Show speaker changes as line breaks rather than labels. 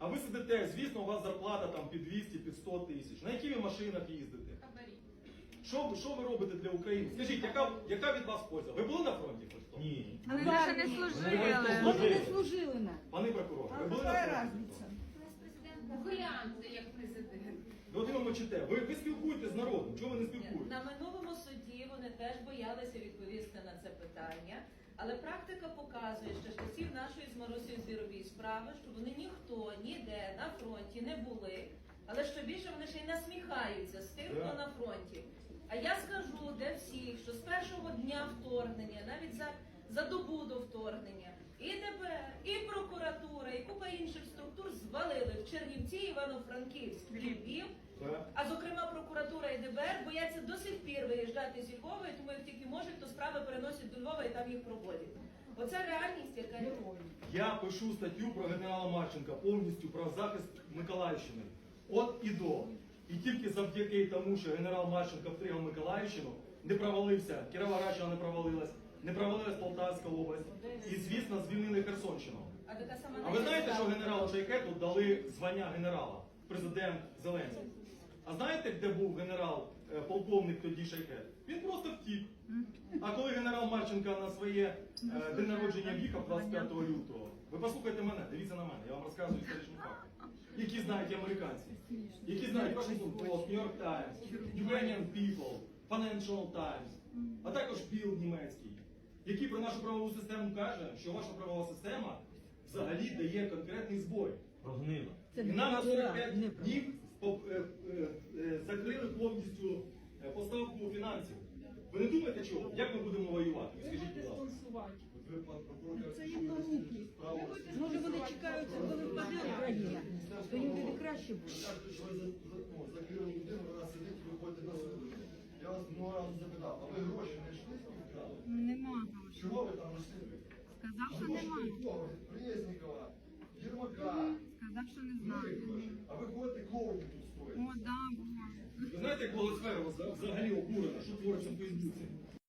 А ви сидите, звісно, у вас зарплата там під 200, під 100 тисяч. На яких ви машинах їздите? Що ви робите для України? Скажіть, яка від вас польза? Ви були на фронті хоч хто?
Ні.
Але ви ще не служили.
Вони не служили нам.
Пане прокурор, ви були на
Какая
фронті?
разница?
Гляньте, як президент.
Ви от іменно мовчите. Ви спілкуєтесь з народом, чого ви не спілкуєтесь?
На минулому суді вони теж боялися відповісти на це питання, але практика показує, що з часів нашої з Марусею Звірової справи, що вони ніхто ніде на фронті не були, але що більше вони ще й насміхаються з тих, хто на фронті. А я скажу для всіх, що з першого дня вторгнення, навіть за добу до вторгнення, і ДБР, і прокуратура, і купа інших структур звалили в Чернівці, Івано-Франківськ, Львів. А зокрема прокуратура і ДБР бояться до сих пір виїжджати зі Львова, і тому як тільки можуть, то справи переносять до Львова і там їх проводять. Оце реальність, яка є.
Я пишу статтю про генерала Марченка повністю про захист Миколаївщини. От і до. І тільки завдяки тому, що генерал Марченко втримав Миколаївщину, не провалився, Кіровоградщина не провалилась Полтавська область. І, звісно, звільнили Херсонщину. А ви знаєте, що генералу Шайхету дали звання генерала, президент Зеленський? А знаєте, де був генерал, полковник тоді Шайхет? Він просто втік. А коли генерал Марченко на своє день народження в'їхав 25 лютого, ви послухайте мене, дивіться на мене, я вам розказую історичні факти, які знають і американці, які знають Washington Post, New York Times, Ukrainian People, Financial Times, а також Bill німецький, який про нашу правову систему каже, що ваша правова система взагалі дає конкретний збой.
Прогнила.
І нам на 45 днів закрили повністю поставку фінансів. Ви не думаєте, чого? Як ми будемо воювати? Скажіть, будь ласка.
Це їм на руки. Може вони чекають, коли впаде Україна, то їм буде краще буде.
Закрили людину, вона сидить, виходить на суду. Я вас много разів запитав, а ви гроші не йшли з вкрали?
Нема грошей.
Чого ви там йшли?
Сказав, що
Гроші
немає.
від кого? Від Преснікова, Єрмака.
Сказав, що не
Ну,
знаю.
і гроші. А ви ходите клоуні тут стоїть.
О, да, було.
Ви знаєте, як Волосфера взагалі обурена, що твориться в Фейсбуці?